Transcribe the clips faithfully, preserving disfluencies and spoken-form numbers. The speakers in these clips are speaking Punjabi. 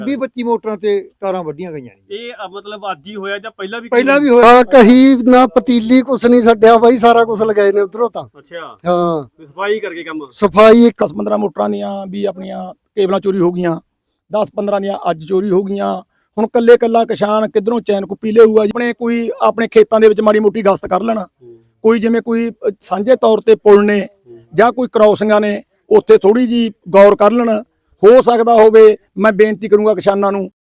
ਵੀਹ ਪੱਚੀ ਮੋਟਰਾਂ ਤੇ ਤਾਰਾਂ ਵੱਡੀਆਂ ਗਈਆਂ ਨੇ। ਇਹ ਮਤਲਬ ਅੱਜ ਹੀ ਹੋਇਆ ਜਾਂ ਪਹਿਲਾਂ ਵੀ ਪਹਿਲਾਂ ਵੀ ਹੋਇਆ? ਹਾਂ, ਕਹੀ ਨਾ ਪਤੀਲੀ ਕੁਛ ਨਹੀਂ ਛੱਡਿਆ ਬਾਈ, ਸਾਰਾ ਕੁਛ ਲਗਾਏ ਨੇ ਉਧਰੋਂ ਤਾਂ। ਅੱਛਾ, ਹਾਂ, ਸਫਾਈ ਕਰਕੇ ਕੰਮ। ਸਫਾਈ दस पंद्रह ਮੋਟਰਾਂ ਦੀਆਂ ਵੀ ਆਪਣੀਆਂ ਕੇਬਲਾਂ ਚੋਰੀ ਹੋ ਗਈਆਂ, दस पंद्रह ਦੀਆਂ ਅੱਜ ਚੋਰੀ ਹੋ ਗਈਆਂ। ਹੁਣ ਕੱਲੇ ਕੱਲਾ ਕਿਸਾਨ ਕਿਧਰੋਂ ਚੈਨ ਕੁੱਪੀ ਲਿਆਊਗਾ? ਆਪਣੇ ਕੋਈ ਆਪਣੇ ਖੇਤਾਂ ਦੇ ਵਿੱਚ ਮਾੜੀ ਮੋਟੀ ਗਸ਼ਤ ਕਰ ਲੈਣਾ, ਕੋਈ ਜਿਵੇਂ ਕੋਈ ਸਾਂਝੇ ਤੌਰ ਤੇ ਪੁਲ ਨੇ ਜਾਂ ਕੋਈ ਕ੍ਰੋਸਿੰਗਾਂ ਨੇ, ਉੱਥੇ ਥੋੜੀ ਜੀ ਗੌਰ ਕਰ ਲੈਣ। ਹੋ ਸਕਦਾ ਹੋਵੇ, ਮੈਂ ਬੇਨਤੀ ਕਰੂੰਗਾ ਕਿਸਾਨਾਂ ਨੂੰ।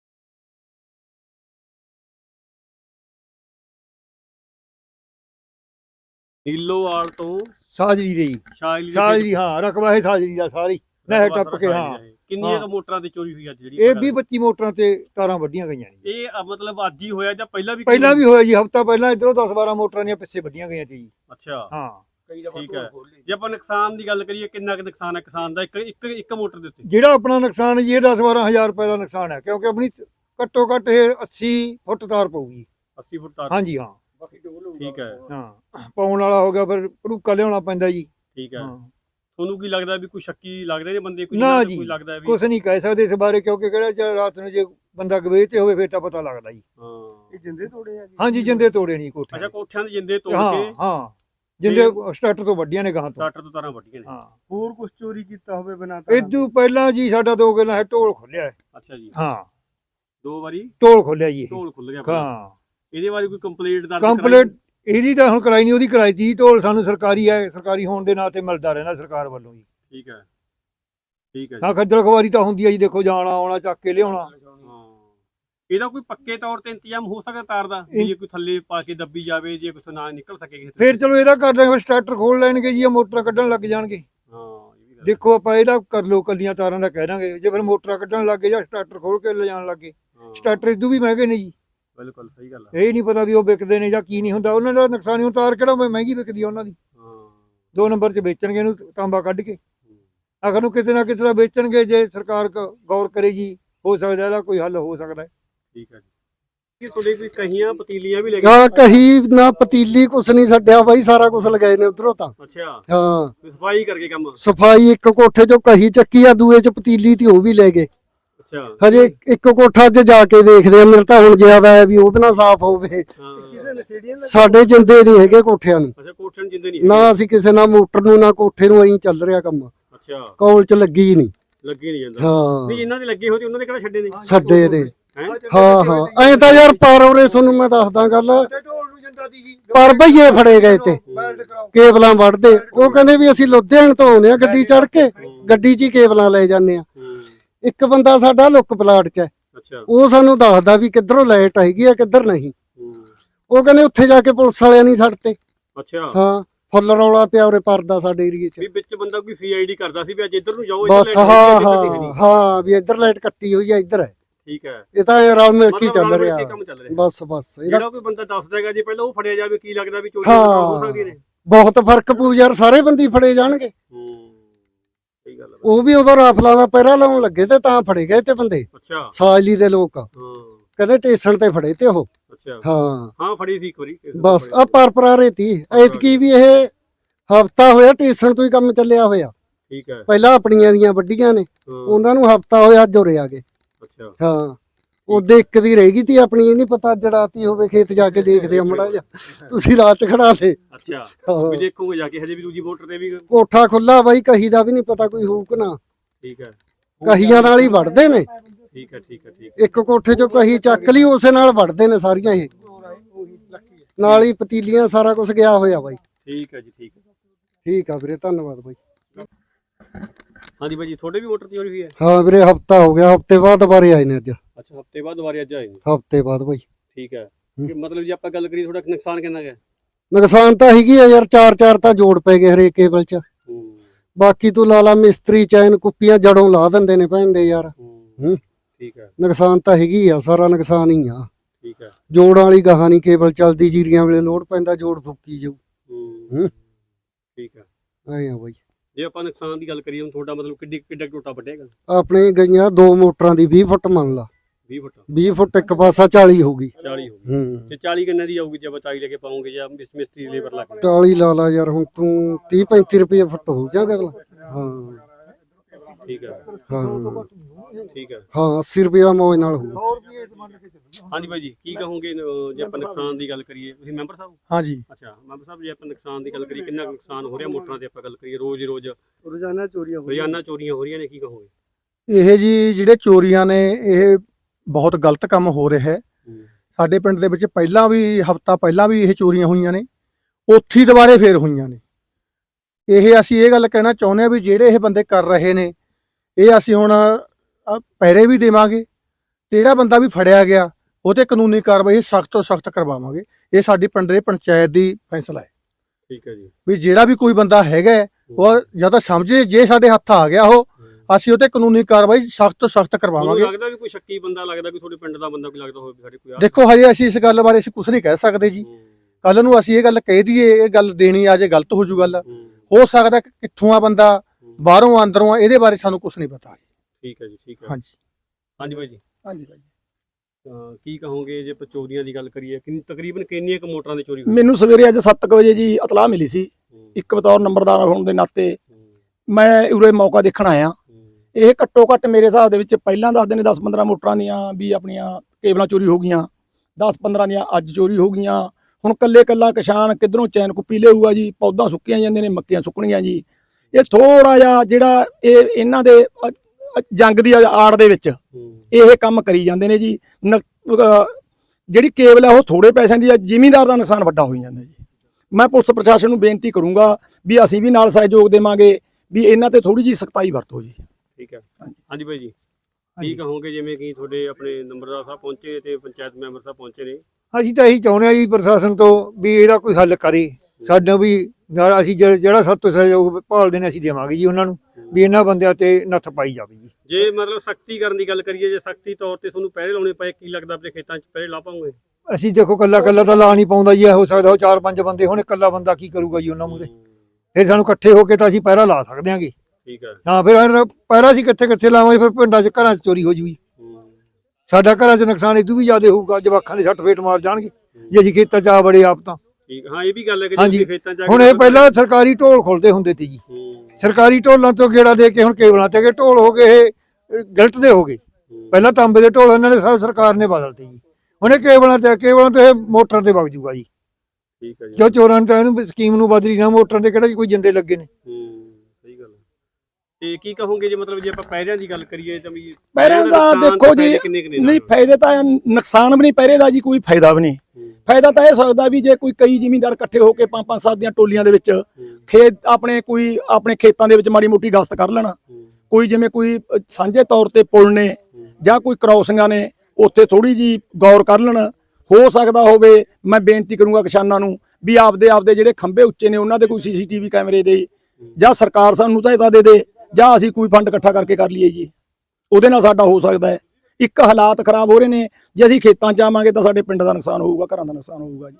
ਨੀਲੋਵਾਲ ਤੋਂ ਸਾਜਰੀ ਦੇ ਜੀ, ਸ਼ਾਇਲੀ ਸਾਜਰੀ, ਹਾਂ ਰਕਬਾ ਹੈ ਸਾਜਰੀ ਦਾ ਸਾਰੀ ਨਹਿਰ ਟੱਪ ਕੇ। ਹਾਂ, ਕਿੰਨੀਆਂ ਮੋਟਰਾਂ ਤੇ ਚੋਰੀ ਹੋਈ ਅੱਜ ਜਿਹੜੀ? ਇਹ ਵੀਹ ਪੱਚੀ ਮੋਟਰਾਂ ਤੇ ਤਾਰਾਂ ਵੱਡੀਆਂ ਗਈਆਂ ਨੇ। ਇਹ ਮਤਲਬ ਅੱਜ ਹੀ ਹੋਇਆ ਜਾਂ ਪਹਿਲਾਂ ਵੀ? ਪਹਿਲਾਂ ਵੀ ਹੋਇਆ ਜੀ, ਹਫਤਾ ਪਹਿਲਾਂ ਇਧਰੋਂ ਦਸ ਬਾਰਾਂ ਮੋਟਰਾਂ ਦੀਆਂ ਪਿੱਛੇ ਵੱਡੀਆਂ ਗਈਆਂ ਸੀ ਜੀ। ਅੱਛਾ, ਹਾਂ ਠੀਕ ਹੈ। ਜੇ ਆਪਾਂ ਨੁਕਸਾਨ ਦੀ ਗੱਲ ਕਰੀਏ, ਕਿੰਨਾ ਕੁ ਨੁਕਸਾਨ ਹੈ ਕਿਸਾਨ ਦਾ ਇੱਕ ਇੱਕ ਇੱਕ ਮੋਟਰ ਦੇ ਉੱਤੇ? ਜਿਹੜਾ ਆਪਣਾ ਨੁਕਸਾਨ ਜੀ, ਇਹ ਦਸ ਬਾਰਾਂ ਹਜ਼ਾਰ ਰੁਪਏ ਦਾ ਨੁਕਸਾਨ ਹੈ, ਕਿਉਂਕਿ ਆਪਣੀ ਘੱਟੋ ਘੱਟ ਇਹ ਅੱਸੀ ਫੁੱਟ ਤਾਰ ਪਊਗੀ। ਅੱਸੀ ਫੁੱਟ ਤਾਰ? ਹਾਂਜੀ ਹਾਂ, ਠੀਕ ਹੈ। ਹਾਂ, ਪਾਉਣ ਵਾਲਾ ਹੋ ਗਿਆ, ਫਿਰ ਭੜੂਕਾ ਲਿਆਉਣਾ ਪੈਂਦਾ ਜੀ। ਠੀਕ ਹੈ। ਤੁਹਾਨੂੰ ਕੀ ਲੱਗਦਾ ਵੀ ਕੋਈ ਸ਼ੱਕੀ ਲੱਗਦੇ ਨੇ ਬੰਦੇ? ਕੋਈ ਨਾ ਜੀ, ਕੋਈ ਲੱਗਦਾ ਵੀ ਕੁਛ ਨਹੀਂ ਕਹਿ ਸਕਦੇ ਇਸ ਬਾਰੇ, ਕਿਉਂਕਿ ਕਿਹੜਾ ਜੇ ਰਾਤ ਨੂੰ ਜੇ ਬੰਦਾ ਗਵੇ ਤੇ ਹੋਵੇ ਫੇਰ ਤਾਂ ਪਤਾ ਲੱਗਦਾ ਜੀ। ਹਾਂ, ਇਹ ਜਿੰਦੇ ਤੋੜੇ ਆ ਜੀ? ਹਾਂਜੀ, ਜਿੰਦੇ ਤੋੜੇ ਨਹੀਂ ਕੋਠੇ। ਅੱਛਾ, ਕੋਠਿਆਂ ਦੇ ਜਿੰਦੇ ਤੋੜ ਹਾਂ ਕੇ? ਹਾਂ, ਜਿੰਦੇ ਸਟਾਰਟਰ ਤੋਂ ਵੱਡੀਆਂ ਨੇ, ਗਾਹਾਂ ਤੋਂ ਸਟਾਰਟਰ ਤੋਂ ਤਾਰਾਂ ਵੱਡੀਆਂ ਨੇ। ਹਾਂ, ਹੋਰ ਕੁਝ ਚੋਰੀ ਕੀਤਾ ਹੋਵੇ ਬਿਨਾਂ ਇਦੋਂ ਪਹਿਲਾਂ ਜੀ ਸਾਡਾ ਦੋ ਗੱਲਾਂ ਹੈ, ਢੋਲ ਖੋਲਿਆ ਹੈ। ਅੱਛਾ ਜੀ, ਹਾਂ, ਦੋ ਵਾਰੀ ਢੋਲ ਖੋਲਿਆ ਜੀ ਇਹ। ਢੋਲ ਖੁੱਲ ਗਿਆ ਆਪਣਾ। ਹਾਂ, ਇਹਦੇ ਬਾਰੇ ਕੋਈ ਕੰਪਲੀਟ ਦਰਜ ਕੰਪਲੀਟ ਇਹਦੀ ਤਾਂ ਹੁਣ ਕਰਾਈ ਨਹੀਂ, ਉਹਦੀ ਕਰਾਈ ਤੀ। ਢੋਲ ਸਾਨੂੰ ਸਰਕਾਰੀ ਹੈ, ਸਰਕਾਰੀ ਹੋਣ ਦੇ ਨਾਤੇ ਮਿਲਦਾ ਰਹਿੰਦਾ ਸਰਕਾਰ ਵੱਲੋਂ ਜੀ। ਠੀਕ ਹੈ, ਠੀਕ ਹੈ ਹਾਂ, ਖੱਜਲ ਖਵਾਰੀ ਤਾਂ ਹੁੰਦੀ ਹੈ ਜੀ, ਦੇਖੋ ਜਾਣਾ ਆਉਣਾ, ਚੱਕ ਕੇ ਲਿਆਉਣਾ। ਹਾਂ, ਇਹਦਾ ਕੋਈ ਪੱਕੇ ਤੌਰ ਤੇ ਇੰਤਜ਼ਾਮ ਹੋ ਸਕਦਾ ਤਾਰ ਦਾ, ਵੀ ਜੇ ਕੋਈ ਥੱਲੇ ਪਾ ਕੇ ਦੱਬੀ ਜਾਵੇ, ਜੇ ਕੁਛ ਨਾ ਨਿਕਲ ਸਕੇ? ਫੇਰ ਚਲੋ ਇਹਦਾ ਕਰ ਲਾਂਗੇ, ਸਟਾਰਟਰ ਖੋਲ ਲੈਣਗੇ ਜੀ, ਇਹ ਮੋਟਰਾਂ ਕੱਢਣ ਲੱਗ ਜਾਣਗੇ। ਹਾਂ, ਇਹ ਵੀ ਗੱਲ ਦੇਖੋ ਆਪਾਂ ਇਹਦਾ ਕਰ ਲੋ, ਕੱਲੀਆਂ ਤਾਰਾਂ ਦਾ ਕਹਿ ਦਾਂਗੇ। ਜੇ ਫਿਰ ਮੋਟਰਾਂ ਕੱਢਣ ਲੱਗ ਗਏ ਜਾਂ ਸਟਾਰਟਰ ਖੋਲ ਕੇ ਲਿਜਾਣ ਲੱਗ ਗਏ, ਹਾਂ, ਸਟਾਰਟਰ ਇਦੋਂ ਵੀ ਮਹਿੰਗੇ ਨੇ ਜੀ। ਬਿਲਕੁਲ ਸਹੀ ਗੱਲ ਹੈ। ਇਹ ਨਹੀਂ ਪਤਾ ਵੀ ਉਹ ਵਿਕਦੇ ਨੇ ਜਾਂ ਕੀ ਨਹੀਂ ਹੁੰਦਾ, ਉਹਨਾਂ ਦਾ ਨੁਕਸਾਨ ਹੀ। ਹੁਣ ਤਾਰ ਕਿਹੜਾ ਮਹਿੰਗੀ ਵਿਕਦੀ ਆ ਉਹਨਾਂ ਦੀ? ਹਾਂ, ਦੋ ਨੰਬਰ 'ਚ ਵੇਚਣਗੇ ਇਹਨੂੰ ਤਾਂਬਾ ਕੱਢ ਕੇ, ਆਖਰ ਨੂੰ ਕਿਤੇ ਨਾ ਕਿਤੇ ਦਾ ਵੇਚਣਗੇ। ਜੇ ਸਰਕਾਰ ਕ- ਗੌਰ ਕਰੇ ਜੀ, ਹੋ ਸਕਦਾ ਇਹਦਾ ਕੋਈ ਹੱਲ ਹੋ ਸਕਦਾ ਹੈ। ਠੀਕ ਹੈ ਜੀ। ਇਹ ਤੁਹਾਡੇ ਕੋਈ ਕਹੀਆਂ ਪਤੀਲੀਆਂ ਵੀ ਲੈ ਗਏ? ਹਾਂ, ਕਹੀ ਨਾ ਪਤੀਲੀ ਕੁਛ ਨਹੀਂ ਛੱਡਿਆ ਬਾਈ, ਸਾਰਾ ਕੁਛ ਲਗਾਏ ਨੇ ਉਧਰੋਂ ਤਾਂ। ਅੱਛਾ, ਹਾਂ, ਸਫਾਈ ਕਰਕੇ ਕੰਮ? ਸਫਾਈ ਇੱਕ ਕੋਠੇ ਚੋਂ ਕਹੀ ਚੱਕੀ ਆ, ਦੂਏ ਚ ਪਤੀਲੀ ਤੀ, ਉਹ ਵੀ ਲੈ ਗਏ। ਅੱਛਾ, ਹਜੇ ਇੱਕ ਕੋਠਾ ਅੱਜ ਜਾ ਕੇ ਦੇਖਦੇ ਆ, ਮੇਰੇ ਤਾਂ ਹੁਣ ਜਿਆਦਾ ਹੈ ਵੀ ਉਹਦੇ ਨਾਲ ਸਾਫ਼ ਹੋਵੇ। ਹਾਂ, ਸਾਡੇ ਜਿੰਦੇ ਨਹੀਂ ਹੈਗੇ ਕੋਠਿਆਂ ਨੂੰ। ਅੱਛਾ, ਕੋਠੇ ਨੂੰ ਜਿੰਦੇ ਨਹੀਂ ਨਾ ਅਸੀਂ ਕਿਸੇ ਨਾਲ ਮੋਟਰ ਨੂੰ ਨਾ ਕੋਠੇ ਨੂੰ, ਐਂ ਚੱਲ ਰਿਹਾ ਕੰਮ। ਅੱਛਾ, ਕੌਲ ਚ ਲੱਗੀ ਹੀ ਨਹੀਂ। ਲੱਗੇ ਨਹੀਂ ਜਾਂਦਾ? ਹਾਂ, ਨਹੀਂ, ਇਹਨਾਂ ਦੇ ਲੱਗੇ ਹੋਏ ਤੇ ਉਹਨਾਂ ਦੇ ਕਿਹੜਾ ਛੱਡੇ ਨੇ? ਛੱਡੇ ਨੇ। ਹੈਂ? ਹਾਂ ਹਾਂ, ਐਂ ਤਾਂ ਯਾਰ ਪਰ ਉਰੇ ਤੁਹਾਨੂੰ ਮੈਂ ਦੱਸਦਾ ਗੱਲ, ਪਰ ਭਈਏ ਫੜੇ ਗਏ ਤੇ ਕੇਬਲਾਂ ਵੱਢਦੇ। ਉਹ ਕਹਿੰਦੇ ਵੀ ਅਸੀਂ ਲੁਧਿਆਣੇ ਤੋਂ ਆਉਂਦੇ ਆ ਗੱਡੀ ਚੜ ਕੇ, ਗੱਡੀ 'ਚ ਹੀ ਕੇਬਲਾਂ ਲੈ ਜਾਂਦੇ ਆ। ਹੂੰ, ਇੱਕ ਬੰਦਾ ਸਾਡਾ ਲੁੱਕ ਪਲਾਟ 'ਚ ਹੈ, ਅੱਛਾ, ਉਹ ਸਾਨੂੰ ਦੱਸਦਾ ਵੀ ਕਿੱਧਰੋਂ ਲਾਈਟ ਹੈਗੀ ਆ ਕਿੱਧਰ ਨਹੀਂ। ਹੂੰ, ਉਹ ਕਹਿੰਦੇ ਉੱਥੇ ਜਾ ਕੇ ਪੁਲਿਸ ਵਾਲਿਆਂ ਨਹੀਂ ਛੱਡਤੇ। ਅੱਛਾ, ਹਾਂ, ਫੁੱਲ ਰੌਲਾ ਪਿਆ ਉਰੇ ਪਰਦਾ ਸਾਡੇ ਏਰੀਏ 'ਚ। ਵੀ ਵਿੱਚ ਬੰਦਾ ਕੋਈ ਸੀਆਈਡੀ ਕਰਦਾ ਸੀ ਵੀ ਅੱਜ ਇੱਧਰ ਨੂੰ ਜਾਓ, ਬਸ ਹਾਂ ਹਾਂ ਹਾਂ, ਵੀ ਇੱਧਰ ਲਾਈਟ ਕੱਟੀ ਹੋਈ ਆ, ਇੱਧਰ ਹੈ। ਠੀਕ ਹੈ, ਇਹ ਤਾਂ ਇਹ ਰਲ ਮਿਲ ਕੇ ਮਤਲਬ ਚੱਲ ਰਲ ਮਿਲ ਰਿਹਾ। ਕੇ ਕੰਮ ਚੱਲ ਰਿਹਾ। ਬਸ ਬਸ ਇਹਦਾ ਜਿਹੜਾ ਕੋਈ ਬੰਦਾ ਦੱਸਦਾ ਹੈਗਾ, ਜੇ ਪਹਿਲਾਂ ਉਹ ਫੜਿਆ ਜਾਵੇ, ਕੀ ਲੱਗਦਾ ਵੀ ਚੋਰੀ ਹਾਂ। ਹੋ ਸਕਦੀ ਨੇ? ਬਹੁਤ ਫਰਕ ਪਊ ਯਾਰ, ਸਾਰੇ ਬੰਦੀ ਫੜੇ ਜਾਣਗੇ। ਹੂੰ, ਸਹੀ ਗੱਲ ਹੈ। ਉਹ ਵੀ ਉਦੋਂ ਰਾਫਲਾਂ ਦਾ ਪਹਿਰਾ ਲਾਉਣ ਲੱਗੇ ਤੇ ਤਾਂ ਫੜੇ ਗਏ ਤੇ ਬੰਦੇ, ਅੱਛਾ, ਸਾਜਲੀ ਦੇ ਲੋਕ। ਹਾਂ, ਕਹਿੰਦੇ ਟੇਸਣ ਤੇ ਫੜੇ ਤੇ ਉਹ। ਅੱਛਾ, ਹਾਂ, ਹਾਂ, ਫੜੀ ਸੀ ਇੱਕ ਵਾਰੀ। ਬਸ ਆ ਪਰਪਰਾਰੇ ਤੀ। ਐਤਕੀ ਵੀ ਇਹ ਹਫਤਾ ਹੋਇਆ ਟੇਸਣ ਤੋਂ ਹੀ ਕੰਮ ਚੱਲਿਆ ਹੋਇਆ। ਠੀਕ ਹੈ, ਪਹਿਲਾਂ ਆਪਣੀਆਂ ਦੀਆਂ ਵੱਡੀਆਂ ਨੇ, ਹਾਂ, ਉਹਨਾਂ ਨੂੰ ਹਫਤਾ ਹੋਇਆ, ਅੱਜ ਉਰੇ ਆ ਗਏ। ਅੱਛਾ, ਹਾਂ, ਉਹਦੇ ਇੱਕ ਦੀ ਰਹਿ ਗਈ ਤੀ ਆਪਣੀ, ਇਹ ਨਹੀਂ ਪਤਾ ਜੜਾਤੀ ਹੋਵੇ, ਖੇਤ ਜਾ ਕੇ ਦੇਖਦੇ ਆ ਮੜਾ ਜਾ। ਤੁਸੀਂ ਰਾਤ ਚ ਖੜਾ ਥੇ। ਅੱਛਾ, ਹਾਂ, ਵੀ ਦੇਖੋਗੇ ਜਾ ਕੇ, ਹਜੇ ਵੀ ਦੂਜੀ ਮੋਟਰ ਤੇ ਵੀ? ਕੋਠਾ ਖੁੱਲਾ ਬਾਈ, ਕਹੀ ਦਾ ਵੀ ਨਹੀਂ ਪਤਾ ਕੋਈ ਹੋਊ ਕਿ ਨਾ। ਠੀਕ ਹੈ, ਕਹੀਆਂ ਨਾਲ ਹੀ ਵੜਦੇ ਨੇ। ਠੀਕ ਹੈ, ਠੀਕ ਹੈ, ਠੀਕ ਹੈ, ਇੱਕ ਕੋਠੇ ਚੋਂ ਕਹੀ ਚੱਕ ਲਈ, ਉਸੇ ਨਾਲ ਵੜਦੇ ਨੇ ਸਾਰੀਆਂ। ਇਹ ਨਾਲ ਹੀ ਪਤੀਲੀਆਂ, ਸਾਰਾ ਕੁਝ ਗਿਆ ਹੋਇਆ ਬਾਈ। ਠੀਕ ਹੈ ਜੀ, ਠੀਕ ਹੈ। ਠੀਕ ਆ ਵੀਰੇ, ਧੰਨਵਾਦ ਬਾਈ। ਹਾਂਜੀ ਬਾਈ ਜੀ, ਤੁਹਾਡੇ ਵੀ ਮੋਟਰ ਚੋਰੀ ਹੋਈ ਹੈ? ਹਾਂ ਵੀਰੇ, ਹਫਤਾ ਹੋ ਗਿਆ, ਹਫਤੇ ਬਾਅਦ ਦੁਬਾਰੇ ਆਏ ਨੇ ਅੱਜ। ਅੱਛਾ, ਹਫਤੇ ਬਾਅਦ ਦੁਬਾਰੇ ਅੱਜ ਆਏ ਨੇ? ਹਫਤੇ ਬਾਅਦ ਬਾਈ। ਠੀਕ ਹੈ, ਕਿ ਮਤਲਬ ਜੇ ਆਪਾਂ ਗੱਲ ਕਰੀਏ, ਤੁਹਾਡਾ ਨੁਕਸਾਨ ਕਿੰਨਾ ਹੈ? ਨੁਕਸਾਨ ਤਾਂ ਹੈਗੀ ਆ ਯਾਰ, ਚਾਰ ਚਾਰ ਤਾਂ ਜੋੜ ਪੈ ਗਏ ਹਰੇਕ ਕੇਬਲ 'ਚ। ਹੂੰ, ਬਾਕੀ ਤੂੰ ਲਾ ਲਾ ਮਿਸਤਰੀ, ਚੈਨ ਕੁੱਪੀਆਂ ਜੜੋਂ ਲਾ ਦਿੰਦੇ ਨੇ ਭੈਣਦੇ ਯਾਰ। ਹੂੰ, ਠੀਕ ਹੈ, ਨੁਕਸਾਨ ਤਾਂ ਹੈਗੀ ਆ, ਸਾਰਾ ਨੁਕਸਾਨ ਹੀ ਆ। ਠੀਕ ਹੈ, ਜੋੜਾਂ ਵਾਲੀ ਗਾਹਾਂ ਨਹੀਂ ਕੇਬਲ ਚੱਲਦੀ, ਜੀਰੀਆਂ ਵੇਲੇ ਲੋਡ ਪੈਂਦਾ, ਜੋੜ ਫੁੱਕੀ ਜਾਊ। ਹੂੰ, ਠੀਕ ਹੈ। ਐ ਆ ਬਾਈ। ਜੇ ਆਪਾਂ ਨੁਕਸਾਨ ਦੀ ਗੱਲ ਕਰੀਏ, ਹੁਣ ਤੁਹਾਡਾ ਮਤਲਬ ਕਿੱਡੀ ਕਿੱਡਾ ਟੋਟਾ ਵੱਡੇਗਾ? ਆਪਣੇ ਗਈਆਂ ਦੋ ਮੋਟਰਾਂ ਦੀ ਵੀਹ ਫੁੱਟ ਮੰਨ ਲਾ। ਵੀਹ ਫੁੱਟ? ਵੀਹ ਫੁੱਟ ਇੱਕ ਪਾਸਾ ਚਾਲੀ ਹੋਊਗੀ। ਚਾਲੀ ਹੋਊਗੀ। ਹੂੰ, ਤੇ ਚਾਲੀ ਕਿੰਨੇ ਦੀ ਆਊਗੀ ਜੇ ਆਪਾਂ ਚਾਲੀ ਲੈ ਕੇ ਪਾਉਂਗੇ ਜਾਂ ਮਿਸ- ਮਿਸਤਰੀ ਦੀ ਲੇਬਰ ਲਾ ਕੇ? ਚਾਲੀ ਲਾ ਲਾ ਯਾਰ, ਹੁਣ ਤੂੰ ਤੀਹ ਪੈਂਤੀ ਰੁਪਏ ਫੁੱਟ ਹੋ ਗਿਆ ਅਗਲਾ। ਹਾਂ, ਠੀਕ ਹੈ ਹਾਂ ਠੀਕ ਹੈ ਹਾਂ ਅੱਸੀ ਰੁਪਏ ਦਾ ਮੌਜ ਨਾਲ ਹੋਊ। ਸੌ ਰੁਪਏ ਮੰਨ ਕੇ ਚੱਲੋ। ਹਾਂਜੀ ਬਾਈ ਜੀ ਕੀ ਕਹੋਗੇ ਅਹ, ਜੇ ਆਪਾਂ ਨੁਕਸਾਨ ਦੀ ਗੱਲ ਕਰੀਏ ਤੁਸੀਂ ਮੈਂਬਰ ਸਾਹਿਬ ਹਾਂਜੀ ਅੱਛਾ ਮੈਂਬਰ ਸਾਹਿਬ ਜੇ ਆਪਾਂ ਨੁਕਸਾਨ ਦੀ ਗੱਲ ਕਰੀਏ ਕਿੰਨਾ ਕੁ ਨੁਕਸਾਨ ਹੋ ਰਿਹਾ ਮੋਟਰਾਂ ਤੇ ਆਪਾਂ ਗੱਲ ਕਰੀਏ ਰੋਜ਼ ਹੀ ਰੋਜ਼ ਰੋਜ਼ਾਨਾ ਚੋਰੀਆਂ ਹੋ ਰਹੀਆਂ। ਰੋਜ਼ਾਨਾ ਚੋਰੀਆਂ ਹੋ ਰਹੀਆਂ ਨੇ ਕੀ ਕਹੋਗੇ ਇਹ ਜੀ ਜਿਹੜੇ ਚੋਰੀਆਂ ਨੇ ਇਹ ਬਹੁਤ ਗਲਤ ਕੰਮ ਹੋ ਰਿਹਾ ਹੈ। ਸਾਡੇ ਪਿੰਡ ਦੇ ਵਿੱਚ ਪਹਿਲਾਂ ਵੀ ਹਫਤਾ ਪਹਿਲਾਂ ਵੀ ਇਹ ਚੋਰੀਆਂ ਹੋਈਆਂ ਨੇ, ਉੱਥੀ ਦੁਬਾਰੇ ਫੇਰ ਹੋਈਆਂ ਨੇ। ਇਹ ਅਸੀਂ ਇਹ ਗੱਲ ਕਹਿਣਾ ਚਾਹੁੰਦੇ ਹਾਂ ਵੀ ਜਿਹੜੇ ਇਹ ਬੰਦੇ ਕਰ ਰਹੇ ਨੇ ਇਹ ਅਸੀਂ ਹੁਣ ਅ, ਪਹਿਰੇ ਵੀ ਦੇਵਾਂਗੇ ਤੇ ਜਿਹੜਾ ਬੰਦਾ ਵੀ ਫੜਿਆ ਗਿਆ ਉਹ ਤੇ ਕਾਨੂੰਨੀ ਕਾਰਵਾਈ ਸਖਤ ਤੋਂ ਸਖਤ ਕਰਵਾਵਾਂਗੇ। ਇਹ ਸਾਡੀ ਪਿੰਡ ਦੇ ਪੰਚਾਇਤ ਦੀ ਫੈਸਲਾ ਹੈ ਠੀਕ ਹੈ ਜੀ ਵੀ ਜਿਹੜਾ ਵੀ ਕੋਈ ਬੰਦਾ ਹੈਗਾ ਹੈ, ਉਹ ਜਾਂ ਤਾਂ ਸਮਝੇ ਜੇ ਸਾਡੇ ਹੱਥ ਆ ਗਿਆ ਉਹ ਅਸੀਂ ਉਹ ਤੇ ਕਾਨੂੰਨੀ ਕਾਰਵਾਈ ਸਖਤ ਤੋਂ ਸਖਤ ਤੁਹਾਨੂੰ ਕਰਵਾਵਾਂਗੇ। ਲੱਗਦਾ ਵੀ ਕੋਈ ਸ਼ੱਕੀ ਬੰਦਾ ਲੱਗਦਾ ਵੀ ਤੁਹਾਡੇ ਪਿੰਡ ਦਾ ਬੰਦਾ ਕੋਈ ਲੱਗਦਾ ਹੋਵੇ ਵੀ ਸਾਡੇ ਕੋਈ ਆ ਦੇਖੋ ਹਜੇ ਅਸੀਂ ਇਸ ਗੱਲ ਬਾਰੇ ਅਸੀਂ ਕੁਝ ਨਹੀਂ ਕਹਿ ਸਕਦੇ ਜੀ। ਹੂੰ, ਕੱਲ ਨੂੰ ਅਸੀਂ ਇਹ ਗੱਲ ਕਹਿ ਦਈਏ ਇਹ ਗੱਲ ਦੇਣੀ ਆ ਜੇ ਗਲਤ ਹੋ ਜੂ ਗੱਲ। ਹੂੰ, ਹੋ ਸਕਦਾ ਕਿ ਕਿੱਥੋਂ ਆ ਬੰਦਾ ਬਾਹਰੋਂ ਅੰਦਰੋਂ ਆ ਇਹਦੇ ਬਾਰੇ ਸਾਨੂੰ ਕੁਝ ਨਹੀਂ ਪਤਾ। ਠੀਕ ਹੈ ਜੀ ਠੀਕ ਹੈ ਹਾਂਜੀ ਹਾਂਜੀ ਬਾਈ ਜੀ ਹਾਂਜੀ ਭਾਈ ਤਾਂ ਕੀ ਕਹੋਗੇ ਜੇ ਆਪਾਂ ਚੋਰੀਆਂ ਦੀ ਗੱਲ ਕਰੀਏ ਕਿ ਤਕਰੀਬਨ ਕਿੰਨੀਆਂ ਕੁ ਮੋਟਰਾਂ ਦੀ ਚੋਰੀ ਹੋਈ ਮੈਨੂੰ ਸਵੇਰੇ ਅੱਜ ਸੱਤ ਵਜੇ ਜੀ ਇਤਲਾਹ ਮਿਲੀ ਸੀ। ਇੱਕ ਬਤੌਰ ਨੰਬਰਦਾਰ ਹੋਣ ਦੇ ਨਾਤੇ ਮੈਂ ਉਰੇ ਮੌਕਾ ਦੇਖਣ ਆਇਆ। ਇਹ ਘੱਟੋ ਘੱਟ ਮੇਰੇ ਹਿਸਾਬ ਦੇ ਵਿੱਚ ਪਹਿਲਾਂ ਦੱਸਦੇ ਨੇ ਦਸ ਪੰਦਰਾਂ ਮੋਟਰਾਂ ਦੀਆਂ ਵੀ ਆਪਣੀਆਂ ਕੇਬਲਾਂ ਚੋਰੀ ਹੋ ਗਈਆਂ, ਦਸ ਪੰਦਰਾਂ ਦੀਆਂ ਅੱਜ ਚੋਰੀ ਹੋ ਗਈਆਂ। ਹੁਣ ਕੱਲੇ ਕੱਲਾ ਕਿਸਾਨ ਕਿੱਧਰੋਂ ਚੈਨ ਕੁੱਪੀ ਲਿਆਊਗਾ ਜੀ, ਪੌਦਾ ਸੁੱਕੀਆਂ ਜਾਂਦੇ ਨੇ, ਮੱਕੀਆਂ ਸੁੱਕਣੀਆਂ ਜੀ। ਇਹ ਥੋੜਾ ਜਿਹਾ ਜਿਹੜਾ ਇਹ ਇਹਨਾਂ ਦੇ ਅ, ਅ, ਜੰਗ ਦੀ ਆੜ ਦੇ ਵਿੱਚ ਇਹ ਕੰਮ ਕਰੀ ਜਾਂਦੇ ਨੇ ਜੀ। ਨ- ਅ, ਜਿਹੜੀ ਕੇਬਲ ਹੈ ਉਹ ਥੋੜੇ ਪੈਸਿਆਂ ਦੀ ਹੈ, ਜ਼ਿਮੀਂਦਾਰ ਦਾ ਨੁਕਸਾਨ ਵੱਡਾ ਹੋਈ ਜਾਂਦਾ ਜੀ। ਮੈਂ ਪੁਲਿਸ ਪ੍ਰਸ਼ਾਸਨ ਨੂੰ ਬੇਨਤੀ ਕਰੂੰਗਾ ਵੀ ਅਸੀਂ ਵੀ ਨਾਲ ਸਹਿਯੋਗ ਦੇਵਾਂਗੇ ਵੀ ਇਹਨਾਂ ਤੇ ਥੋੜੀ ਜਿਹੀ ਸਖਤਾਈ ਵਰਤੋ ਜੀ। ਠੀਕ ਹੈ ਹਾਂਜੀ ਬਾਈ ਜੀ ਕੀ ਕਹੋਗੇ ਜਿਵੇਂ ਕਿ ਤੁਹਾਡੇ ਆਪਣੇ ਨੰਬਰਦਾਰ ਸਾਹਿਬ ਪਹੁੰਚੇ ਤੇ ਪੰਚਾਇਤ ਮੈਂਬਰ ਸਾਹਿਬ ਪਹੁੰਚੇ ਨੇ ਅਸੀਂ ਤਾਂ ਇਹੀ ਚਾਹੁੰਦੇ ਹਾਂ ਜੀ ਪ੍ਰਸ਼ਾਸਨ ਤੋਂ ਵੀ ਇਹਦਾ ਕੋਈ ਹੱਲ ਕਰੇ। ਸਾਨੂੰ ਵੀ ਨਾਲ ਅਸੀਂ ਜਿਹੜਾ ਜਿਹੜਾ ਸਾਡੇ ਤੋਂ ਸਹਿਯੋਗ ਭਾਲਦੇ ਨੇ ਅਸੀਂ ਦੇਵਾਂਗੇ ਜੀ ਉਹਨਾਂ ਨੂੰ ਵੀ ਇਹਨਾਂ ਬੰਦਿਆਂ ਤੇ ਨੱਥ ਪਾਈ ਜਾਵੇ ਜੀ। ਜੇ ਮਤਲਬ ਸਖਤੀ ਕਰਨ ਦੀ ਗੱਲ ਕਰੀਏ ਜੇ ਸਖਤੀ ਤੌਰ ਤੇ ਤੁਹਾਨੂੰ ਪਹਿਰੇ ਲਾਉਣੇ ਪਏ ਕੀ ਲੱਗਦਾ ਆਪਣੇ ਖੇਤਾਂ 'ਚ ਪਹਿਰੇ ਲਾ ਪਾਉਂਗੇ ਅਸੀਂ ਦੇਖੋ ਕੱਲਾ ਕੱਲਾ ਤਾਂ ਲਾ ਨਹੀਂ ਪਾਉਂਦਾ ਜੀ। ਹੋ ਸਕਦਾ ਉਹ ਚਾਰ ਪੰਜ ਬੰਦੇ ਹੁਣ ਇਕੱਲਾ ਬੰਦਾ ਕੀ ਕਰੂਗਾ ਜੀ ਉਹਨਾਂ ਮੂਹਰੇ। ਫਿਰ ਸਾਨੂੰ ਇਕੱਠੇ ਹੋ ਕੇ ਤਾਂ ਅਸੀਂ ਪਹਿਰਾ ਲਾ ਸਕਦੇ ਹਾਂਗੇ। ਠੀਕ ਹੈ ਹਾਂ ਫਿਰ ਐਂ ਪਹਿਰਾ ਅਸੀਂ ਕਿੱਥੇ ਕਿੱਥੇ ਲਾਵਾਂਗੇ ਫਿਰ ਪਿੰਡਾਂ 'ਚ ਘਰਾਂ 'ਚ ਚੋਰੀ ਹੋ ਜੂਗੀ। ਸਾਡਾ ਘਰਾਂ 'ਚ ਨੁਕਸਾਨ ਇਦੋਂ ਵੀ ਜ਼ਿਆਦਾ ਹੋਊਗਾ, ਜਵਾਕਾਂ ਦੇ ਛੱਟ ਫੇਟ ਮਾਰ ਜਾਣਗੇ ਜੇ ਅਸੀਂ ਖੇਤਾਂ 'ਚ ਆ ਬੜੇ ਆਪ ਤਾਂ। ਠੀਕ ਹਾਂ ਇਹ ਵੀ ਗੱਲ ਹੈ ਕਿ ਹਾਂਜੀ। ਜੇ ਖੇਤਾਂ 'ਚ ਆ ਹੁਣ ਕੇ ਇਹ ਪਹਿਲਾਂ ਸਰਕਾਰੀ ਢੋਲ ਖੁੱਲਦੇ ਹੁੰਦੇ ਸੀ ਜੀ। ਹੂੰ, ਸਰਕਾਰੀ ਢੋਲਾਂ ਤੋਂ ਗੇੜਾ ਦੇ ਕੇ ਹੁਣ ਕੇਬਲਾਂ ਤੇ ਗਏ ਢੋਲ ਹੋ ਗਏ ਇਹ ਅਹ, ਗਿਲਟ ਦੇ ਹੋ ਗਏ। ਹੂੰ, ਪਹਿਲਾਂ ਤਾਂਬੇ ਦੇ ਢੋਲ ਇਹਨਾਂ ਨੇ ਸਰ- ਸਰਕਾਰ ਨੇ ਬਦਲਤੇ ਜੀ। ਹੁਣ ਇਹ ਕੇਬਲਾਂ ਤੇ ਕੇਬਲਾਂ ਤੇ ਇਹ ਮੋਟਰਾਂ ਤੇ ਵਗ ਜੂਗਾ ਜੀ। ਠੀਕ ਹੈ ਜੀ ਜੋ ਚੋਰਾਂ ਨੇ ਤਾਂ ਇਹਨੂੰ ਸਕੀਮ ਨੂੰ ਬਦਲੀ ਨਾ ਮੋਟਰਾਂ ਤੇ ਕਿਹੜਾ ਕੋਈ ਜਿੰਦੇ ਲੱਗੇ ਨੇ। ਹੂੰ ਸਹੀ ਗੱਲ ਹੈ ਤੇ ਕੀ ਕਹੋਗੇ ਜੇ ਮਤਲਬ ਜੇ ਆਪਾਂ ਪਹਿਰਿਆਂ ਦੀ ਗੱਲ ਕਰੀਏ ਤਾਂ ਵੀ ਪਹਿਰਿਆਂ ਦਾ ਨੁਕਸਾਨ ਦੇਖੋ ਤੇ ਜੀ, ਫਾਇਦੇ ਕਿੰਨੇ ਕਿੰਨੇ ਨਹੀਂ ਫਾਇਦੇ ਤਾਂ ਨੁਕਸਾਨ ਵੀ ਨਹੀਂ ਪਹਿਰੇ ਦਾ ਜੀ, ਕੋਈ ਫਾਇਦਾ ਵੀ ਨਹੀਂ। ਫਾਇਦਾ ਤਾਂ ਇਹ ਸਕਦਾ ਵੀ ਜੇ ਕੋਈ ਕਈ ਜ਼ਿਮੀਂਦਾਰ ਇਕੱਠੇ ਹੋ ਕੇ ਪੰਜ ਪੰਜ ਸੱਤ ਦੀਆਂ ਟੋਲੀਆਂ ਦੇ ਵਿੱਚ ਖੇਤ ਆਪਣੇ ਕੋਈ ਆਪਣੇ ਖੇਤਾਂ ਦੇ ਵਿੱਚ ਮਾੜੀ ਮੋਟੀ ਗਸ਼ਤ ਕਰ ਲੈਣਾ, ਕੋਈ ਜਿਵੇਂ ਕੋਈ ਅ, ਸਾਂਝੇ ਤੌਰ ਤੇ ਪੁਲ ਨੇ ਜਾਂ ਕੋਈ ਕ੍ਰੋਸਿੰਗਾਂ ਨੇ ਉੱਥੇ ਥੋੜੀ ਜੀ ਗੌਰ ਕਰ ਲੈਣ। ਹੋ ਸਕਦਾ ਹੋਵੇ ਮੈਂ ਬੇਨਤੀ ਕਰੂੰਗਾ ਕਿਸਾਨਾਂ ਨੂੰ ਵੀ ਆਪਦੇ ਆਪਦੇ ਜਿਹੜੇ ਖੰਭੇ ਉੱਚੇ ਨੇ ਉਹਨਾਂ ਦੇ ਕੋਈ ਸੀਸੀਟੀਵੀ ਕੈਮਰੇ ਦੇ ਜਾਂ ਸਰਕਾਰ ਸਾਨੂੰ ਤਾਂ ਇਹਦਾ ਦੇ ਦੇ ਜਾਂ ਅਸੀਂ ਕੋਈ ਫੰਡ ਇਕੱਠਾ ਕਰਕੇ ਕਰ ਲਈਏ ਜੀ। ਉਹਦੇ ਨਾਲ ਸਾਡਾ ਹੋ ਸਕਦਾ ਹੈ। ਇੱਕ ਹਾਲਾਤ ਖਰਾਬ ਹੋ ਰਹੇ ਨੇ, ਜੇ ਅਸੀਂ ਖੇਤਾਂ 'ਚ ਆਵਾਂਗੇ ਤਾਂ ਸਾਡੇ ਪਿੰਡ ਦਾ ਨੁਕਸਾਨ ਹੋਊਗਾ, ਘਰਾਂ ਦਾ ਨੁਕਸਾਨ ਹੋਊਗਾ ਜੀ।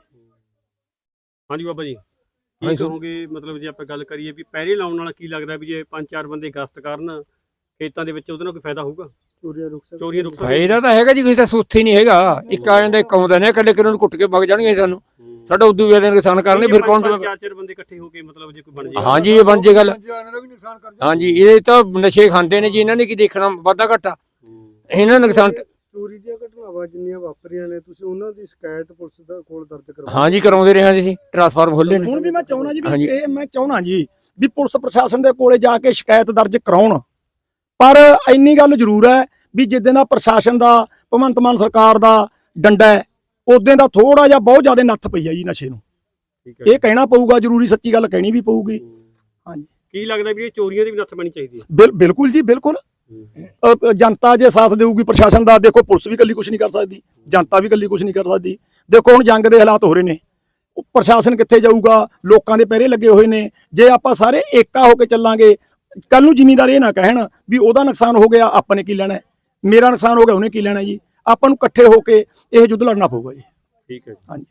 ਹਾਂਜੀ ਬਾਬਾ ਜੀ ਕੀ ਹਾਂਜੀ। ਕਹੋਗੇ ਮਤਲਬ ਜੇ ਆਪਾਂ ਗੱਲ ਕਰੀਏ ਵੀ ਪਹਿਰੇ ਲਾਉਣ ਨਾਲ ਕੀ ਲੱਗਦਾ ਵੀ ਜੇ ਪੰਜ ਚਾਰ ਬੰਦੇ ਗਸ਼ਤ ਕਰਨ ਖੇਤਾਂ ਦੇ ਵਿੱਚ ਉਹਦੇ ਨਾਲ ਕੋਈ ਫਾਇਦਾ ਹੋਊਗਾ ਚੋਰੀਆਂ ਰੁਕ ਸਕਦੀਆਂ। ਚੋਰੀਆਂ ਰੁਕ ਸਕਦੀਆਂ ਫਾਇਦਾ ਤਾਂ ਹੈਗਾ ਜੀ, ਕਿਸੇ ਦਾ ਸੁੱਥ ਹੀ ਨਹੀਂ ਹੈਗਾ। ਇੱਕ ਆ ਜਾਂਦਾ ਇੱਕ ਆਉਂਦਾ ਨੇ ਇਕੱਲੇ ਕਿਰਨ ਨੂੰ ਕੁੱਟ ਕੇ ਵਗ ਜਾਣਗੇ ਸਾਨੂੰ। ਸਾਡਾ ਉਦੋਂ ਵੀ ਇਹਦੇ ਨੁਕਸਾਨ ਕਰਨਗੇ ਫਿਰ ਕੌਣ ਪੰਜ ਚਾਰ ਚਾਰ ਬੰਦੇ ਇਕੱਠੇ ਹੋ ਕੇ ਮਤਲਬ ਜੇ ਕੋਈ ਬਣ ਜਾਏ ਹਾਂਜੀ ਇਹ ਬਣ ਜੇ ਗੱਲ। ਇਹਨਾਂ ਦਾ ਵੀ ਨੁਕਸਾਨ ਕਰ ਜਾਊ। ਹਾਂਜੀ ਇਹ ਤਾਂ ਨਸ਼ੇ ਖਾਂਦੇ ਨੇ ਜੀ, ਇਹਨਾਂ ਨੇ ਕੀ ਦੇਖਣਾ ਵਾਧਾ ਘਾਟਾ। ਇਹਨਾਂ ਦਾ ਨੁਕਸਾਨ ਚੋਰੀ ਦੀਆਂ ਘਟਨਾਵਾਂ ਜਿੰਨੀਆਂ ਵਾਪਰੀਆਂ ਨੇ ਤੁਸੀਂ ਉਹਨਾਂ ਦੀ ਸ਼ਿਕਾਇਤ ਪੁਲਿਸ ਦਾ ਕੋਲ ਦਰਜ ਕਰਵਾ ਹਾਂਜੀ ਕਰਾਉਂਦੇ ਰਹੇ ਹਾਂ ਜੀ, ਅਸੀਂ ਟਰਾਂਸਫਾਰਮ ਖੋਲੇ ਨੇ। ਹੁਣ ਵੀ ਮੈਂ ਚਾਹੁੰਦਾ ਜੀ ਵੀ ਹਾਂਜੀ। ਇਹ ਮੈਂ ਚਾਹੁੰਦਾ ਜੀ ਵੀ ਪੁਲਿਸ ਪ੍ਰਸ਼ਾਸਨ ਦੇ ਕੋਲੇ ਜਾ ਕੇ ਸ਼ਿਕਾਇਤ ਦਰਜ ਕਰਾਉਣ। ਪਰ ਇੰਨੀ ਗੱਲ ਜ਼ਰੂਰ ਹੈ ਵੀ ਜਿੱਦਾਂ ਦਾ ਪ੍ਰਸ਼ਾਸਨ ਦਾ ਭਗਵੰਤ ਮਾਨ ਸਰਕਾਰ ਦਾ ਡੰਡਾ ਹੈ ਉਦੋਂ ਦਾ ਥੋੜਾ ਜਿਹਾ ਬਹੁਤ ਜ਼ਿਆਦਾ ਨੱਥ ਪਈ ਹੈ ਜੀ ਨਸ਼ੇ ਨੂੰ। ਠੀਕ ਹੈ ਇਹ ਕਹਿਣਾ ਪਊਗਾ, ਜ਼ਰੂਰੀ ਸੱਚੀ ਗੱਲ ਕਹਿਣੀ ਵੀ ਪਊਗੀ। ਹਾਂਜੀ ਕੀ ਲੱਗਦਾ ਵੀ ਇਹ ਚੋਰੀਆਂ ਦੀ ਵੀ ਨੱਥ ਪੈਣੀ ਚਾਹੀਦੀ ਹੈ ਬਿਲ- ਬਿਲਕੁਲ ਜੀ ਬਿਲਕੁਲ। ਅ, ਅ, ਜਨਤਾ ਜੇ ਸਾਥ ਦੇਊਗੀ ਪ੍ਰਸ਼ਾਸਨ ਦਾ, ਦੇਖੋ ਪੁਲਿਸ ਵੀ ਇਕੱਲੀ ਕੁਝ ਨਹੀਂ ਕਰ ਸਕਦੀ, ਜਨਤਾ ਵੀ ਇਕੱਲੀ ਕੁਝ ਨਹੀਂ ਕਰ ਸਕਦੀ। ਦੇਖੋ ਹੁਣ ਜੰਗ ਦੇ ਹਾਲਾਤ ਹੋ ਰਹੇ ਨੇ, ਉਹ ਪ੍ਰਸ਼ਾਸਨ ਕਿੱਥੇ ਜਾਊਗਾ, ਲੋਕਾਂ ਦੇ ਪਹਿਰੇ ਲੱਗੇ ਹੋਏ ਨੇ। ਜੇ ਆਪਾਂ ਸਾਰੇ ਏਕਾ ਹੋ ਕੇ ਚੱਲਾਂਗੇ, ਕੱਲ ਨੂੰ ਜ਼ਿਮੀਂਦਾਰ ਇਹ ਨਾ ਕਹਿਣ ਵੀ ਉਹਦਾ ਨੁਕਸਾਨ ਹੋ ਗਿਆ ਆਪਾਂ ਨੇ ਕੀ ਲੈਣਾ ਹੈ, ਮੇਰਾ ਨੁਕਸਾਨ ਹੋ ਗਿਆ ਉਹਨੇ ਕੀ ਲੈਣਾ ਜੀ। ਆਪਾਂ ਨੂੰ ਇਕੱਠੇ ਹੋ ਕੇ ਇਹ ਯੁੱਧ ਲੜਨਾ ਪਊਗਾ ਜੀ। ਠੀਕ ਹੈ ਜੀ। ਹਾਂਜੀ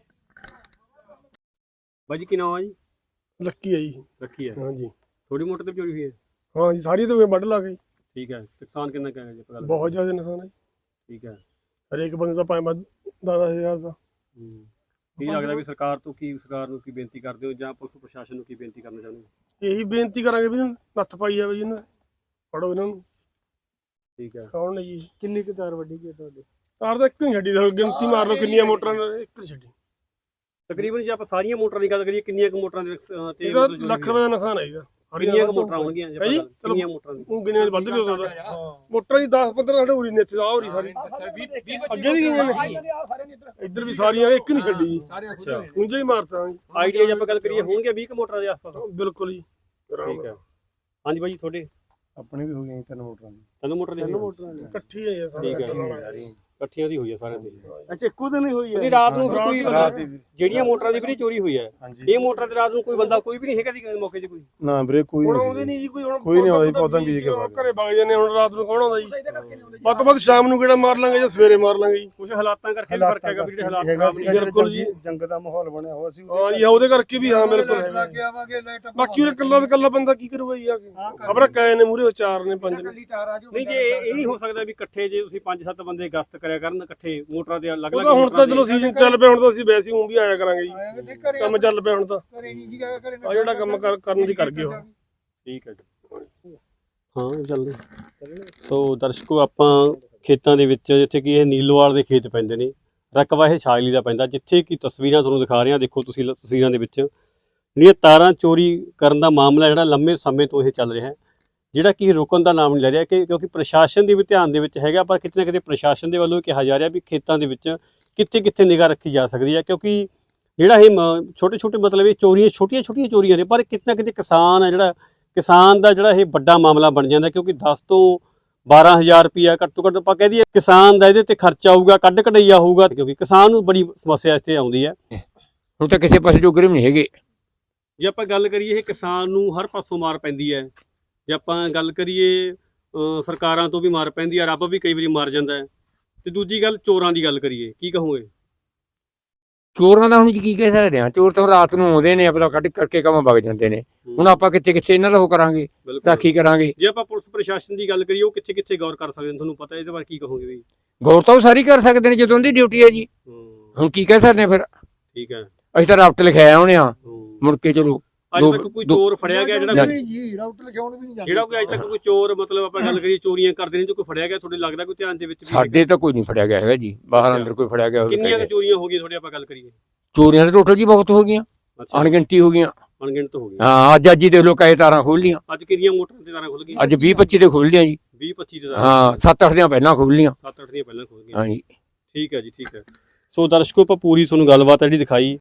ਬਾਈ ਜੀ ਕੀ ਨਾਮ ਆ ਜੀ ਲੱਕੀ ਹੈ ਜੀ। ਰੱਖੀ ਹੈ ਹਾਂਜੀ ਥੋੜੀ ਮੋਟਰ ਤੇ ਵੀ ਚੋਰੀ ਹੋਈ ਹੈ ਹਾਂ ਜੀ, ਸਾਰੀ ਤਾਂ ਵੱਢ ਲਾ ਗਈ। ਠੀਕ ਹੈ ਨੁਕਸਾਨ ਕਿੰਨਾ ਕੁ ਹੈ ਜੀ ਆਪਾਂ ਗੱਲ ਬਹੁਤ ਜ਼ਿਆਦਾ ਨੁਕਸਾਨ ਹੈ ਜੀ। ਠੀਕ ਹੈ ਹਰੇਕ ਬੰਦੇ ਦਾ ਪੰਜ ਦਸ ਦਸ ਹਜ਼ਾਰ ਦਾ। ਹੂੰ। ਕੀ ਲੱਗਦਾ ਵੀ ਸਰਕਾਰ ਤੋਂ ਕੀ ਸਰਕਾਰ ਨੂੰ ਕੀ ਬੇਨਤੀ ਕਰਦੇ ਹੋ ਜਾਂ ਪੁਲਿਸ ਪ੍ਰਸ਼ਾਸਨ ਨੂੰ ਕੀ ਬੇਨਤੀ ਕਰਨਾ ਚਾਹੁੰਦੇ ਹੋ ਇਹੀ ਬੇਨਤੀ ਕਰਾਂਗੇ ਵੀ ਨੱਥ ਪਾਈ ਜਾਵੇ ਜੀ ਇਹਨਾਂ ਫੜੋ ਇਹਨਾਂ ਨੂੰ। ਠੀਕ ਹੈ। ਕੌਣ ਨੇ ਜੀ? ਕਿੰਨੀ ਕੁ ਤਾਰ ਵੱਡੀ ਗਈ ਤੁਹਾਡੇ? ਤਾਰ ਤਾਂ ਇੱਕ ਨਹੀਂ ਛੱਡੀ, ਤਾਂ ਗਿਣਤੀ ਮਾਰ ਲਓ ਕਿੰਨੀਆਂ ਮੋਟਰਾਂ ਨੇ, ਇੱਕ ਨਹੀਂ ਛੱਡੀ। ਤਕਰੀਬਨ ਜੇ ਆਪਾਂ ਸਾਰੀਆਂ ਮੋਟਰਾਂ ਦੀ ਗੱਲ ਕਰੀਏ ਕਿੰਨੀਆਂ ਕੁ ਮੋਟਰਾਂ ਦੇ ਅਹ, ਤੇ ਇਹਦਾ ਮਤਲਬ ਲੱਖ ਰੁਪਏ ਦਾ ਨੁਕਸਾਨ ਹੈ ਇਹਦਾ। ਕਿੰਨੀਆਂ ਕੁ ਮੋਟਰਾਂ ਹੋਣਗੀਆਂ ਜੇ ਆਪਾਂ ਹੈ ਜੀ? ਗੱਲ- ਕਿੰਨੀਆਂ ਮੋਟਰਾਂ ਦੀ? ਉਹ ਗਿਣਿਆ ਵੱਧ ਵੀ ਹੋ ਸਕਦਾ। ਮੋਟਰਾਂ ਦੀ ਦਸ ਪੰਦਰਾਂ ਸਾਡੇ ਉਰੀ ਨੇ ਇੱਥੇ ਆ ਉਰੀ ਸਾਰੀ ਅੱਗੇ ਵੀ ਗਈਆਂ ਨੇ, ਇੱਧਰ ਵੀ ਸਾਰੀਆਂ, ਇੱਕ ਨਹੀਂ ਛੱਡੀ ਜੀ। ਅੱਛਾ ਉਂਝ ਹੀ ਮਾਰਤਾ ਜੀ। ਆਈਡੀਆ ਜੇ ਆਪਾਂ ਗੱਲ ਕਰੀਏ ਹੋਣਗੇ ਵੀਹ ਕੁ ਮੋਟਰਾਂ ਦੇ ਆਸ-ਪਾਸ। ਬਿਲਕੁਲ ਜੀ। ਠੀਕ ਹੈ। ਹਾਂਜੀ ਬਾਈ ਤੁਹਾਡੇ ਆਪਣੇ ਵੀ ਹੋ ਗਈਆਂ ਤਿੰਨ ਮੋਟਰਾਂ ਦੀ। ਤਿੰਨ ਮੋਟਰ ਦੇ ਤਿੰਨ ਮੋਟਰਾਂ ਦੀ ਇਕੱਠੀ ਹੈ ਇਹ ਠੀਕ ਹੈ। ਸਾਰੀ। ਇਕੱਠੀਆਂ ਦੀ ਹੋਈ ਹੈ ਸਾਰਿਆਂ ਦੀ। ਅੱਛਾ ਇੱਕੋ ਦਿਨ ਹੀ ਹੋਈ ਹੈ? ਨਹੀਂ ਰਾਤ ਨੂੰ ਫਿਰ ਕੋਈ ਰਾਤ ਹੀ ਵੀਰ। ਜਿਹੜੀਆਂ ਮੋਟਰਾਂ ਦੀ ਵੀਰੇ ਚੋਰੀ ਹੋਈ ਹੈ ਹਾਂਜੀ ਇਹ ਮੋਟਰਾਂ ਤੇ ਰਾਤ ਨੂੰ ਕੋਈ ਬੰਦਾ ਕੋਈ ਵੀ ਨਹੀਂ ਹੈਗਾ ਸੀ ਮੌਕੇ 'ਤੇ ਕੋਈ? ਨਾ ਵੀਰੇ ਕੋਈ ਹੁਣ ਨਹੀਂ ਆਉਂਦੇ ਸੀ। ਨਹੀਂ ਜੀ ਕੋਈ, ਹੁਣ ਕੋਈ ਨਹੀਂ ਆਉਂਦਾ ਜੀ, ਪੌਦਾ ਬੀਜ ਕੇ ਵਗ ਘਰੇ ਵਗ ਜਾਂਦੇ। ਹੁਣ ਰਾਤ ਨੂੰ ਕੌਣ ਆਉਂਦਾ ਜੀ? ਵੱਧ ਤੋਂ ਵੱਧ ਸ਼ਾਮ ਨੂੰ ਕਿਹੜਾ ਮਾਰ ਲਾਂਗੇ ਜਾਂ ਸਵੇਰੇ ਮਾਰ ਲਾਂਗੇ ਜੀ। ਕੁਝ ਹਾਲਾਤਾਂ ਕਰਕੇ ਵੀ ਫਰਕ ਹੈਗਾ ਵੀ ਜਿਹੜੇ ਹਾਲਾਤ ਹੈਗਾ ਖਰਾਬ ਸੀ, ਨੇ। ਬਿਲਕੁਲ ਜੀ। ਜੰਗ ਦਾ ਮਾਹੌਲ ਬਣਿਆ ਹੋਇਆ ਸੀ। ਹਾਂ ਜੀ, ਉਹਦੇ ਕਰਕੇ ਵੀ ਹਾਂ ਬਿਲਕੁਲ ਹੈਗਾ। ਬਾਕੀ ਉਹ ਇਕੱਲਾ ਤੇ ਇਕੱਲਾ ਬੰਦਾ ਕੀ ਕਰੂਗਾ ਜੀ? ਆ ਕੇ ਖਬਰ ਕਾਏ ਨੇ ਮੂਰੇ ਚਾਰ ਨੇ ਪੰਜ ਨੇ। ਨਹੀਂ ਜੇ ਇਹ ਇਹ ਨਹੀਂ ਹੋ ਸਕਦਾ ਵੀ ਇਕੱਠੇ ਜੇ ਤੁਸੀਂ ਪੰਜ ਸੱਤ ਬੰਦੇ ਗਸ਼ਤ ਕਰਿਆ ਕਰਨ ਇਕੱਠੇ ਮੋਟਰਾਂ ਦੇ ਅਲੱਗ ਉਹ ਅਲੱਗ ਤਾਂ ਹੁਣ ਤਾਂ ਚਲੋ ਸੀਜ਼ਨ ਚੱਲ ਪਿਆ, ਹੁਣ ਤਾਂ ਅਸੀਂ ਵੈਸੇ ਊਂ ਵੀ ਆਇਆ ਕਰਾਂਗੇ ਜੀ। ਕੰਮ ਚੱਲ ਪਿਆ ਹੁਣ ਤਾਂ, ਆ ਜਿਹੜਾ ਕੰਮ ਕਰ- ਕਰਨ ਦੀ ਕਰ ਗਏ ਉਹ। ਠੀਕ ਹੈ ਜੀ। ਹਾਂ ਚੱਲਦੇ। ਸੋ ਦਰਸ਼ਕੋ ਆਪਾਂ ਖੇਤਾਂ ਦੇ ਵਿੱਚ ਜਿੱਥੇ ਕਿ ਇਹ ਨੀਲੋਵਾਲ ਦੇ ਖੇਤ ਪੈਂਦੇ ਨੇ, ਰਕਬਾ ਇਹ ਛਾਜਲੀ ਦਾ ਪੈਂਦਾ, ਜਿੱਥੇ ਕਿ ਤਸਵੀਰਾਂ ਤੁਹਾਨੂੰ ਦਿਖਾ ਰਹੇ ਹਾਂ। ਦੇਖੋ ਤੁਸੀਂ ਲ- ਤਸਵੀਰਾਂ ਦੇ ਵਿੱਚ ਜਿਹੜੀਆਂ ਤਾਰਾਂ ਚੋਰੀ ਕਰਨ ਦਾ ਮਾਮਲਾ ਜਿਹੜਾ ਲੰਮੇ ਸਮੇਂ ਤੋਂ ਇਹ ਚੱਲ ਰਿਹਾ ਹੈ, ਜਿਹੜਾ ਕਿ ਰੁਕਣ ਦਾ ਨਾਮ ਨਹੀਂ ਲੈ ਰਿਹਾ ਕਿ ਕਿਉਂਕਿ ਪ੍ਰਸ਼ਾਸਨ ਦੇ ਵੀ ਧਿਆਨ ਦੇ ਵਿੱਚ ਹੈਗਾ, ਪਰ ਕਿਤੇ ਨਾ ਕਿਤੇ ਪ੍ਰਸ਼ਾਸਨ ਦੇ ਵੱਲੋਂ ਕਿਹਾ ਜਾ ਰਿਹਾ ਵੀ ਖੇਤਾਂ ਦੇ ਵਿੱਚ ਕਿੱਥੇ ਕਿੱਥੇ ਨਿਗਾਹ ਰੱਖੀ ਜਾ ਸਕਦੀ ਹੈ, ਕਿਉਂਕਿ ਜਿਹੜਾ ਇਹ ਛੋਟੇ ਛੋਟੇ ਮਤਲਬ ਇਹ ਚੋਰੀਆਂ ਛੋਟੀਆਂ ਛੋਟੀਆਂ ਚੋਰੀਆਂ ਨੇ, ਪਰ ਕਿਤੇ ਨਾ ਕਿਤੇ ਕਿਸਾਨ ਹੈ ਜਿਹੜਾ ਕਿਸਾਨ ਦਾ ਜਿਹੜਾ ਇਹ ਵੱਡਾ ਮਾਮਲਾ ਬਣ ਜਾਂਦਾ, ਕਿਉਂਕਿ ਦਸ ਤੋਂ ਬਾਰਾਂ ਹਜ਼ਾਰ ਰੁਪਇਆ ਘੱਟ ਤੋਂ ਘੱਟ ਆਪਾਂ ਕਹਿ ਦਈਏ ਕਿਸਾਨ ਦਾ ਇਹਦੇ ਤੇ ਖਰਚਾ ਆਊਗਾ, ਕੱਢ ਕਢਈਆ ਹੋਊਗਾ, ਕਿਉਂਕਿ ਕਿਸਾਨ ਨੂੰ ਬੜੀ ਸਮੱਸਿਆ ਇਸ ਤੇ ਆਉਂਦੀ ਹੈ। ਹੁਣ ਤਾਂ ਕਿਸੇ ਪਾਸੇ ਜੋਗਰੇ ਵੀ ਨਹੀਂ ਹੈਗੇ। ਜੇ ਆਪਾਂ ਗੱਲ ਕਰੀਏ ਇਹ ਕਿਸਾਨ ਨੂੰ ਹਰ ਪਾਸੋਂ ਮਾਰ ਪੈਂਦੀ ਹੈ। ਜੇ ਆਪਾਂ ਗੱਲ ਕਰੀਏ ਅ, ਸਰਕਾਰਾਂ ਤੋਂ ਵੀ ਮਾਰ ਪੈਂਦੀ ਹੈ, ਰੱਬ ਵੀ ਕਈ ਵਾਰੀ ਮਾਰ ਜਾਂਦਾ ਹੈ। ਤੇ ਦੂਜੀ ਗੱਲ ਚੋਰਾਂ ਦੀ ਗੱਲ ਕਰੀਏ, ਕੀ ਕਹੋਗੇ? ਚੋਰਾਂ ਦਾ ਹੁਣ ਜੀ ਕੀ ਕਹਿ ਸਕਦੇ ਆ? ਚੋਰ ਤਾਂ ਰਾਤ ਨੂੰ ਆਉਂਦੇ ਨੇ, ਆਪਣਾ ਕੱਢ ਕਰਕੇ ਕੰਮ ਵਗ ਜਾਂਦੇ ਨੇ। ਹੁਣ ਆਪਾਂ ਕਿੱਥੇ ਕਿੱਥੇ ਇਹਨਾਂ ਦਾ ਉਹ ਕਰਾਂਗੇ, ਬਿਲਕੁਲ। ਰਾਖੀ ਕਰਾਂਗੇ। ਜੇ ਆਪਾਂ ਪੁਲਿਸ ਪ੍ਰਸ਼ਾਸਨ ਦੀ ਗੱਲ ਕਰੀਏ ਉਹ ਕਿੱਥੇ ਕਿੱਥੇ ਗੌਰ ਕਰ ਸਕਦੇ ਨੇ, ਤੁਹਾਨੂੰ ਪਤਾ ਇਹਦੇ ਬਾਰੇ ਕੀ ਕਹੋਗੇ ਵੀ? ਗੌਰ ਤਾਂ ਉਹ ਸਾਰੀ ਕਰ ਸਕਦੇ ਨੇ ਜਦੋਂ ਦੀ ਡਿਊਟੀ ਹੈ ਜੀ। ਹੂੰ, ਹੁਣ ਕੀ ਕਹਿ ਸਕਦੇ ਆ ਫਿਰ? ਠੀਕ ਹੈ। ਅਸੀਂ ਤਾਂ ਰਾਬਟ ਲਿਖਾਇਆ ਉਹਨੇ ਆ, ਹੂੰ। ਮੁੜ ਕੇ ਚਲੋ ਅੱਜ ਦੋ- ਤੱਕ ਕੋਈ ਦੋ- ਚੋਰ ਫੜਿਆ ਗਿਆ ਜਿਹੜਾ ਨਹੀਂ। ਜੀ ਰਾਊਟ ਲਿਖਾਉਣ ਵੀ ਨਹੀਂ ਜਾਂਦੇ। ਜਿਹੜਾ ਕੋਈ ਅੱਜ ਤੱਕ ਕੋਈ ਚੋਰ ਮਤਲਬ ਆਪਾਂ ਗੱਲ ਕਰੀਏ ਚੋਰੀਆਂ ਕਰਦੇ ਨੇ ਜੋ ਕੋਈ ਫੜਿਆ ਗਿਆ ਤੁਹਾਡੇ ਲੱਗਦਾ ਕੋਈ ਧਿਆਨ ਦੇ ਵਿੱਚ ਵੀ ਸਾਡੇ ਤਾਂ ਕੋਈ ਨਹੀਂ ਫੜਿਆ ਗਿਆ ਹੈਗਾ ਜੀ, ਬਾਹਰ ਅੰਦਰ ਕੋਈ ਫੜਿਆ ਗਿਆ ਹੋਵੇ। ਕਿੰਨੀਆਂ ਕੁ ਚੋਰੀਆਂ ਹੋ ਗਈਆਂ ਤੁਹਾਡੇ ਆਪਾਂ ਗੱਲ ਕਰੀਏ? ਚੋਰੀਆਂ ਤਾਂ ਟੋਟਲ ਜੀ ਬਹੁਤ ਹੋ ਗਈਆਂ, ਅੱਛਾ, ਅਣਗਿਣਤੀ ਹੋ ਗਈਆਂ। ਅਣਗਿਣਤ ਹੋ ਗਈਆਂ। ਹਾਂ ਅੱਜ ਅੱਜ ਹੀ ਦੇਖ ਲਓ ਕਈ ਤਾਰਾਂ ਖੋਲ ਲੀਆਂ, ਅੱਜ ਕਿੰਨੀਆਂ ਮੋਟਰਾਂ ਤੇ ਤਾਰਾਂ ਖੁੱਲ ਗਈਆਂ? ਅੱਜ ਵੀਹ ਪੱਚੀ ਤੇ ਖੋਲ ਲੀਆਂ ਜੀ। ਵੀਹ ਪੱਚੀ ਤੇ ਤਾਰਾਂ, ਹਾਂ ਸੱਤ ਅੱਠ ਦੀਆਂ ਪਹਿਲਾਂ ਖੋਲ ਲੀਆਂ। ਸੱਤ ਅੱਠ ਦੀਆਂ ਪਹਿਲਾਂ ਖੁੱਲ ਗਈਆਂ। ਹਾਂ ਜੀ। ਠੀਕ ਹੈ ਜੀ, ਠੀਕ ਹੈ। ਸੋ ਦਰਸ਼ਕੋ ਆਪਾਂ ਪੂਰੀ ਤੁਹਾਨੂੰ ਗੱਲਬਾਤ ਜਿਹੜੀ ਦਿਖਾਈ